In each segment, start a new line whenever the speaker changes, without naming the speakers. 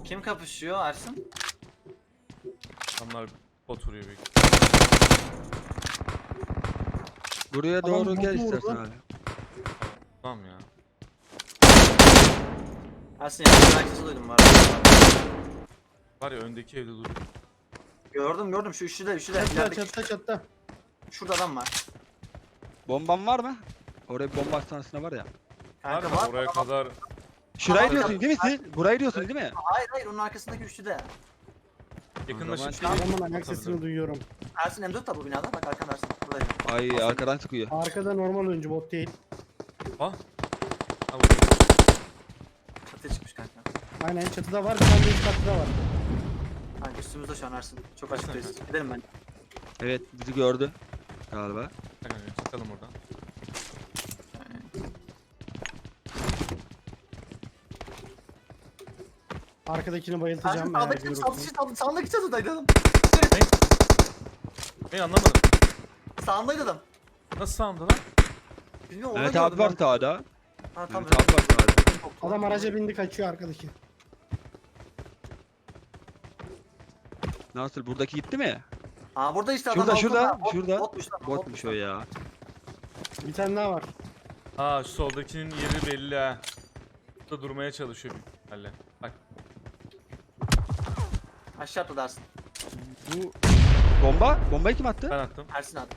Kim kapışıyor Ersin?
Onlar oturuyor büyük.
Buraya
Adam
doğru gel
botu
istersen
vurdu.
abi.
Tamam ya.
Ersin yakın herkesi duydum var.
Var ya öndeki evde dur.
Gördüm şu üçlüde
Çatta
ilerideki
çatta çatta.
şurada adam var.
Bomban var mı? Oraya bir bomba hastanesine var ya.
Var
Kanka
mı?
var.
Oraya kadar
Şurayı
Tamam,
diyorsun değil mi siz? Burayı diyorsun değil mi?
Hayır onun arkasındaki üçlüde.
yakınlaşıp
zaman-
Adamın ayak sesini duyuyorum.
Ersin M4 da bu binada bak arkanda Ersin. Buradayım.
Ay arkadan sıkıyor.
Arkada normal oyuncu, bot değil.
Ah. Ha vuruyor.
Çatıya çıkmış kanka.
Aynen, çatıda var, bir tane de üst katta var.
Kanka üstümüzde şu an Ersin. Çok açıktayız. Gidelim ben.
Evet bizi gördü. Galiba.
Kanka çıkalım oradan.
Arkadakini
Ersin
bayıltacağım eğer
sağdaki
görürsün.
sağdaki çatıdaydı adam.
Ben anlamadım.
Sağındaydı adam.
Nasıl sağımda lan?
Bilmiyorum onu
Evet
gördüm
abi var
ben.
sağda.
Ha tamam.
Evet abi var sağda.
Adam araca bindi, kaçıyor arkadaki.
Nasıl buradaki gitti mi?
Ha burada işte adam
Şurada,
altında.
şurada.
Botmuş lan.
Botmuş o ya.
Bir tane daha var.
Ha şu soldakinin yeri belli ha. Burada durmaya çalışıyor büyük ihtimalle. Bak.
Aşağı atladı Ersin.
Bu bomba? Bombayı kim attı?
Ben attım.
Ersin attı.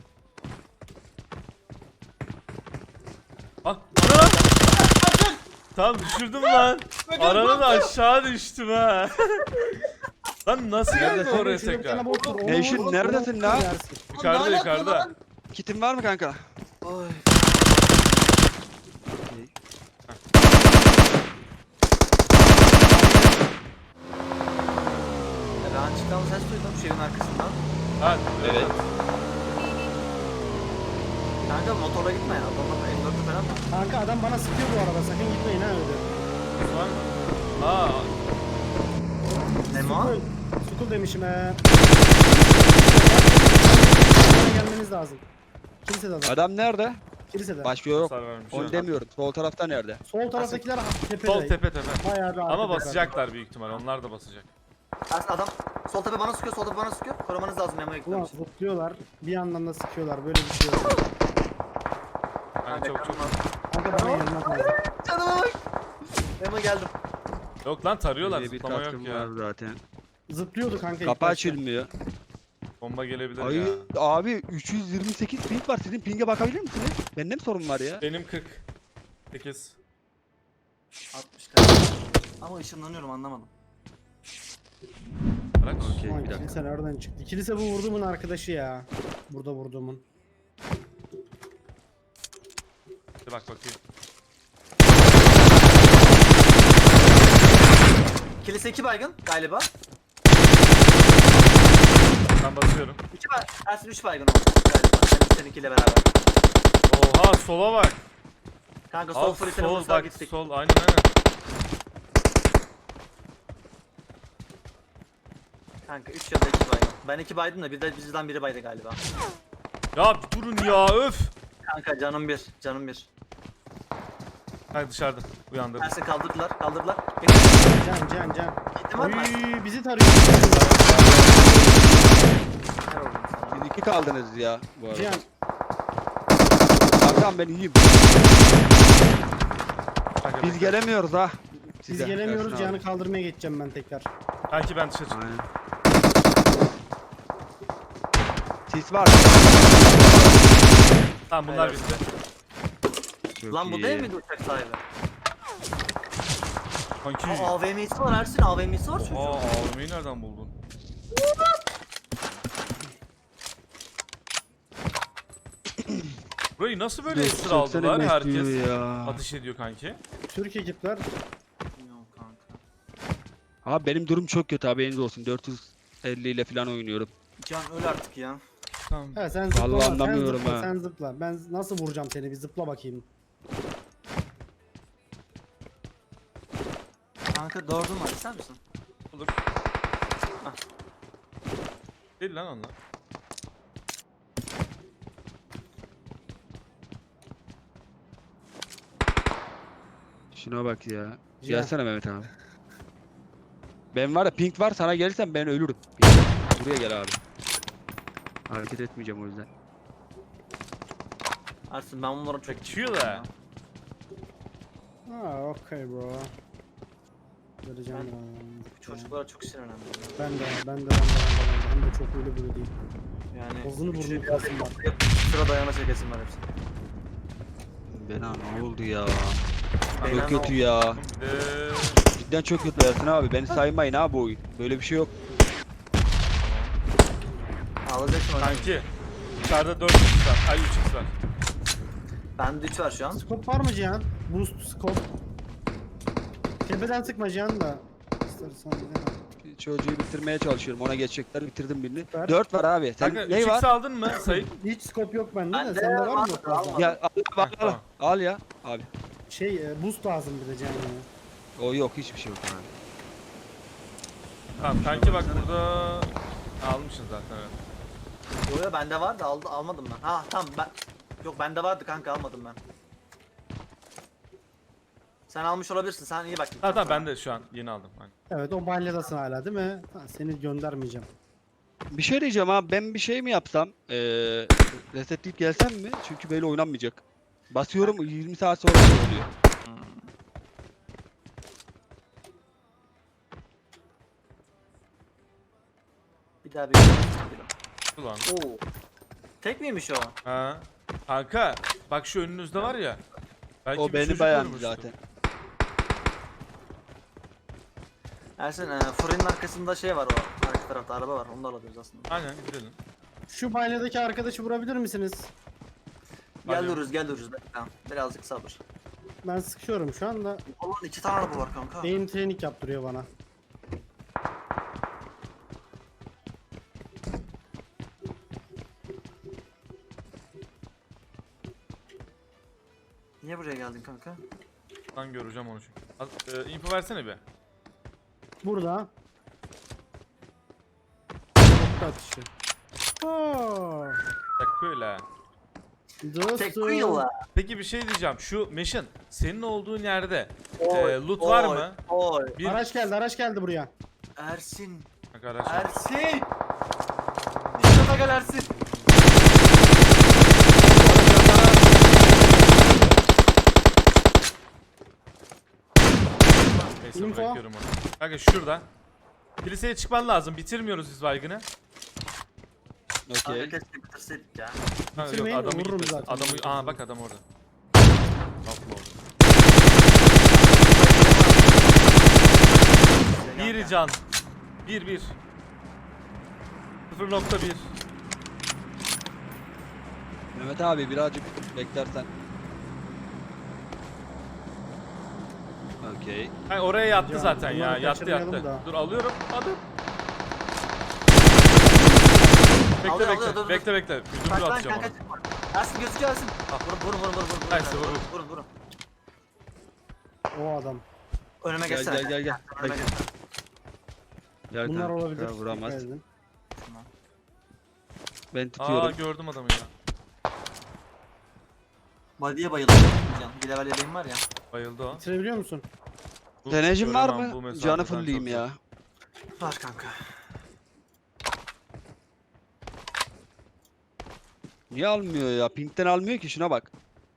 Ah. Ana! Tamam düşürdüm lan. Aradan aşağı düştüm ha. Lan nasıl geldi
Neredesin?
oraya
Şurada bir tane
tekrar?
bot var, onu
Nevşin,
vur, onu
neredesin
vur,
lan?
yersin.
Yukarıda
Lan,
yukarıda.
lan.
Kitin var mı kanka?
Oy. Ben çıkan ses duydum şeyin arkasından.
Ha,
Evet.
Kanka motorla gitme ya. Adamlar M4'ü falan var.
Kanka adam bana sıkıyor bu arada, sakın gitmeyin ha öyle.
Var mı? Aa,
Nemo?
Sukul demişim Bana gelmeniz lazım. Kilisede adam.
Adam nerede?
Kilisede.
Başka yok.
hasar vermiş.
Onu demiyorum. Sol tarafta nerede?
Sol taraftakiler tepede.
Sol tepe tepe.
Bayağı bir
Ama
arkada
basacaklar büyük ihtimal. Onlar da basacak.
Ersin adam sol tepe bana sıkıyor, sol tepe bana sıkıyor. Korumanız lazım Nemo'ya
kaldı. Ulan
gitmem için.
zıplıyorlar. Bir yandan da sıkıyorlar. Böyle bir şey yok.
Hani çok çok.
Kanka bana gelmez lazım.
Canıma bak. Nemo geldim.
Yok lan tarıyorlar.
Bir
Zıplama yok
katkım
ya.
var zaten.
Zıplıyordu kanka. ilk
Kapı
başta.
açılmıyor.
Bomba gelebilir
Ay
ya.
abi 328 ping var. Sizin ping'e bakabilir misiniz? Bende mi sorun var ya?
Benim 40. 8.
60 kanka. Ama ışınlanıyorum anlamadım.
Bırak.
Okey
Ulan
bir dakika.
kilise nereden çıktı? Kilise bu vurduğumun arkadaşı ya. Burada vurduğumun.
Bir bak bakayım.
Kilise 2 baygın galiba.
Ben basıyorum.
2 baygın. Ersin 3 baygın oldu galiba. Seninkiyle beraber.
Oha sola bak.
Kanka sol
Al
free
sol
telefonu sağa
bak
gittik.
sol aynen aynen.
Kanka 3 ya da 2 baygın. Ben 2 baydım da bir de bizden biri baydı galiba.
Ya bir durun ya öf.
Kanka canım 1. Canım 1.
Hayır dışarıda uyandırdım.
Ersin kaldırdılar.
Can.
Gittin var mı?
Uy, bizi tarıyor.
Her oldum sana.
Siz iki kaldınız ya bu arada.
Can.
Kankam ben iyiyim.
Kanka,
Biz
bekle.
gelemiyoruz ha.
Biz
Size.
gelemiyoruz.
Ersin abi.
Can'ı kaldırmaya geçeceğim ben tekrar.
Kanki ben dışarı çıktım.
Aynen. Sis var.
Tamam bunlar
Evet.
bitti.
Çok
Lan bu
iyi.
değil miydi uçak sahibi?
Kanki.
Aa, AVM'si var Ersin. AVM'si var çocuğun.
Aa AVM'yi nereden buldun? Burayı nasıl böyle esir
Çok
aldılar?
sene
Herkes
bekliyor ya.
ateş ediyor kanki.
Türk ekipler.
Bilmiyorum kanka.
Abi benim durum çok kötü haberiniz olsun. 450 ile falan oynuyorum.
Can öl artık ya.
Tamam.
He sen zıpla.
Vallahi
sen
anlamıyorum
zıpla,
ha.
Sen zıpla. Ben nasıl vuracağım seni? Bir zıpla bakayım.
Kanka doğurdun var ister misin?
Olur. Değil lan onlar.
Şuna bak ya.
Cihan.
Gelsene Mehmet abi. Ben var ya pink var sana gelirsem ben ölürüm. Buraya gel abi. Hareket etmeyeceğim o yüzden.
Ersin ben bunları çok
Çekiyor da.
Ha okey bro. Vereceğim
Ben-
ya.
Çocuklara çok sinirlendim ya.
Ben de. Hem de çok öyle böyle değil.
Yani
Bozunu
üçü
burnunu
bir
kırsın bak.
sıra dayana çekesim var hepsi.
Bena ne oldu ya?
Beyler
Çok
ne
kötü
oldu?
ya.
Bir de...
Cidden çok kötü Ersin abi. Beni saymayın abi bu oyun. Böyle bir şey yok.
Ağlayacaksın hocam.
Kanki. Dışarıda 4x var. Ay 3x var.
Bende 3 var şu an.
Scope var mı Cihan? Boost scope. Tepeden sıkma Cihan da. İstersen de.
Çocuğu bitirmeye çalışıyorum. Ona geçecekler. Bitirdim birini.
Süper.
4 var abi. Sen
Kanka
ne
3x
var?
aldın mı Sayın?
Hiç scope yok bende de.
Bende
Sende var mı
var,
yok
almadım.
fazla?
Ya al,
tamam.
al ya abi.
Boost lazım bir de Cihan ya.
O yok hiçbir şey yok abi.
Tamam kanki bak burada... Almışsın zaten evet.
Yo bende vardı almadım ben. Ha tamam ben. Yok bende vardı kanka almadım ben. Sen almış olabilirsin. Sen iyi bak.
Ha tamam ben de şu an yeni aldım. Aynen.
Evet o balyadasın hala değil mi? Ha, seni göndermeyeceğim.
Bir şey diyeceğim abi. Ben bir şey mi yapsam? Resetleyip gelsem mi? Çünkü böyle oynanmayacak. Basıyorum 20 saat sonra şey oluyor.
Bir daha bir.
Ulan.
Oo. Tek miymiş o?
Ha. Kanka bak şu önünüzde var ya. Belki
O
bir
beni
çocuk
beğendi
vurmuştur.
zaten.
Ersin fırının arkasında şey var o. Arka tarafta araba var. Onu da alabiliriz aslında.
Aynen gidelim.
Şu balyadaki arkadaşı vurabilir misiniz?
Geliyoruz. Bekle. Birazcık sabır.
Ben sıkıyorum şu anda.
Allah'ın 2 tane araba var kanka.
Beyin training yaptırıyor bana.
Niye buraya geldin kanka?
Lan göreceğim onu çünkü. Info versene bir.
Burada. Nokta atışı. Oo.
Tekkuyla.
Tek
Dostum.
kuyuла.
Peki bir şey diyeceğim. Şu Meşin senin olduğun yerde
Oy,
loot var
oy,
mı?
Oy.
Bir
Araç geldi buraya.
Ersin.
arkadaşlar.
Ersin. Dikkat gel Ersin.
Neyse
Info.
bırakıyorum onu. Kanka şurada. Kiliseye çıkman lazım. Bitirmiyoruz biz baygını.
Okey.
Abi keşke bitirseydik ya.
Kanka yok
Bitirmeyin,
adamı
vururum
gitmesin.
zaten.
Adamı aa bak adam orada. Tatlı orada. Bir can. 1 0.1.
Mehmet abi birazcık beklersen. Okey.
Hayır oraya yattı
Ya,
zaten ya.
bunları
Yattı
kaçırmayalım
yattı.
da.
Dur alıyorum. Adım. Bekle
Alıyor,
bekle.
alıyor, dur, dur.
Bekle bekle. Güdümlü
Bak lan
atacağım
kanka.
onu.
Ersin gözüküyor Ersin. Vurun.
Nice, vur.
Vurun.
O adam.
Önüme
Gel,
geçsene.
gel.
Önüme geçsene.
Gel
Bunlar
kanka,
olabilir.
vuramaz.
Dikkat edin.
Ben
Aa
tutuyorum.
gördüm adamı ya.
Body'ye bayıldım. Can. Bir level yeleğim var ya.
Bayıldı o.
Bitirebiliyor musun?
Bu
Tenecim var
göremem bu
mı?
mesafeden
Canı fulleyim
çok
ya.
zor.
Var kanka.
Niye almıyor ya? Pink'ten almıyor ki şuna bak.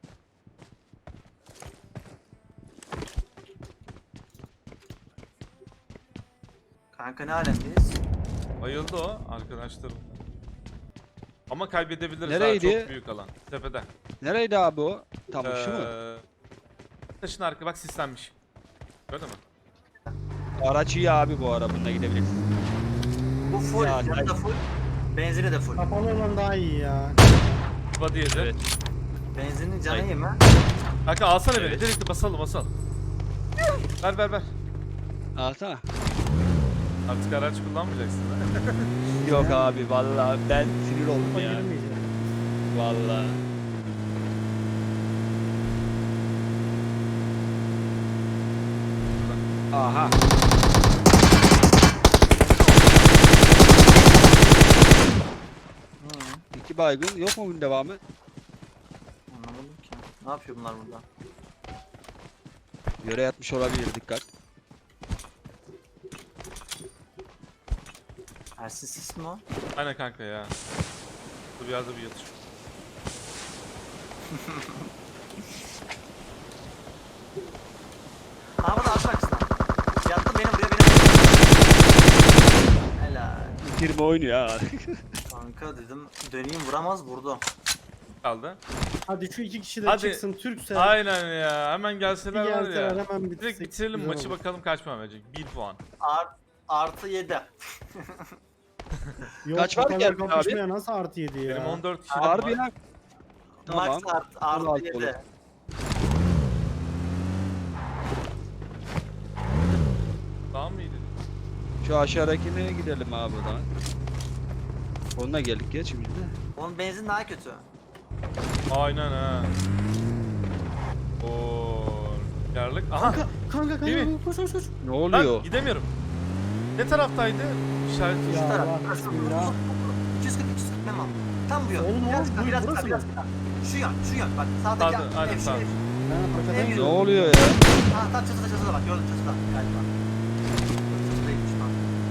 Kanka ne alemdeyiz?
Bayıldı o arkadaşlarım. Ama kaybedebiliriz
Nereydi?
ha çok büyük alan. Tepede.
Nereydi abi o? Tamam şu mu?
Taşın arka bak sislenmiş. Gördün mü?
Araç iyi abi bu ara bununla gidebilirsin.
Bu full.
Ya,
Canı da full. Benzini de full.
Kapalı olan daha iyi ya.
Body yedi.
Evet.
Benzinin canı iyi mi?
Kanka alsana beni
Evet.
direkt basalım. Ver.
Alsana.
Artık araç kullanmayacaksın ha.
Yok abi vallahi ben sinir oldum
Kafa
ya.
girmeyecek.
Vallahi. Aha. İki baygın yok mu bunun devamı?
Anlamadım ki. Ne yapıyor bunlar burada?
Yere yatmış olabilir dikkat.
Ersin sis mi o?
Aynen kanka ya. Dur bir yerde bir yatış.
Araba da aşağı arkasına. Yattı beni buraya Helal.
Girme oynuyor ha.
Kanka dedim döneyim vuramaz vurdu.
Kaldı.
Hadi şu iki kişi de
Hadi.
çıksın Türkse.
Aynen ya. Hemen
Bir
gelseler var
gelseler
ya.
hemen bitirsek.
Direkt bitirelim
güzel
maçı
olur.
bakalım kaç puan verecek. 1 puan.
Artı 7.
Yok,
Kaç
bu
var
kadar
ki abi?
kapışmaya nasıl artı 7 ya?
Benim 14 kişi
Harbi
var.
ya. Tamam.
Max artı
16
7.
olur.
Tamam mıydı?
Şu aşağıdakine gidelim abi o zaman. Onunla geldik geç şimdi de.
Onun benzin daha kötü.
Aynen ha. Oo. Yarlık. Aha.
Kanka
Değil mi?
koş koş koş.
Ne
Lan
oluyor?
gidemiyorum. Ne taraftaydı? İşaret
Ya
Şu taraf.
Allah,
Burası.
bismillah.
240 Memo. Tam bu yön.
Oğlum,
Biraz
oğlum,
daha, biraz
burası
daha,
mı?
biraz daha. Şu yön bak sağdaki
Sağda, aynen,
ev,
sağ.
ev.
Ben arkadan
Ne
Ne
gidiyorum.
oluyor ya?
Ha tam çatıda bak gördüm çatıda galiba. Çatıdaymış lan.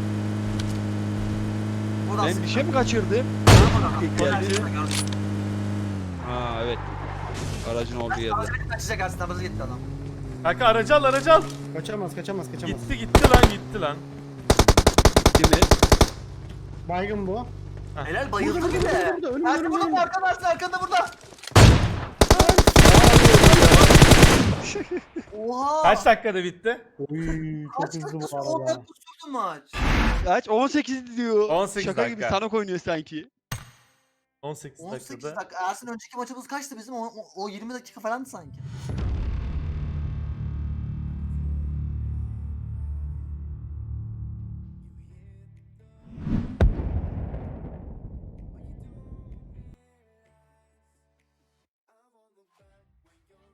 Burası.
Ben bir şey mi kaçırdım?
Geldi.
geldi? Ha evet. Aracın olduğu yerde.
Kaçacak Ersin nabızı gitti adam.
Kanka aracı al aracı al.
Kaçamaz.
Gitti lan gitti lan.
Değil mi?
Baygın bu.
Helal bayıldı
Burada,
bir
burada,
de.
burada, önümde,
Ersin
önümde.
burada arkada Ersin arkada burada. Oha.
Kaç dakikada bitti?
Oy çok
Kaç
hızlı bu
dakika? 10
arada.
dakika sürdü maç.
Kaç? 18 diyor.
18
Şaka gibi
dakika.
Sanok oynuyor sanki.
18
18
dakikada.
dakika. Ersin önceki maçımız kaçtı bizim? O 20 dakika falandı sanki.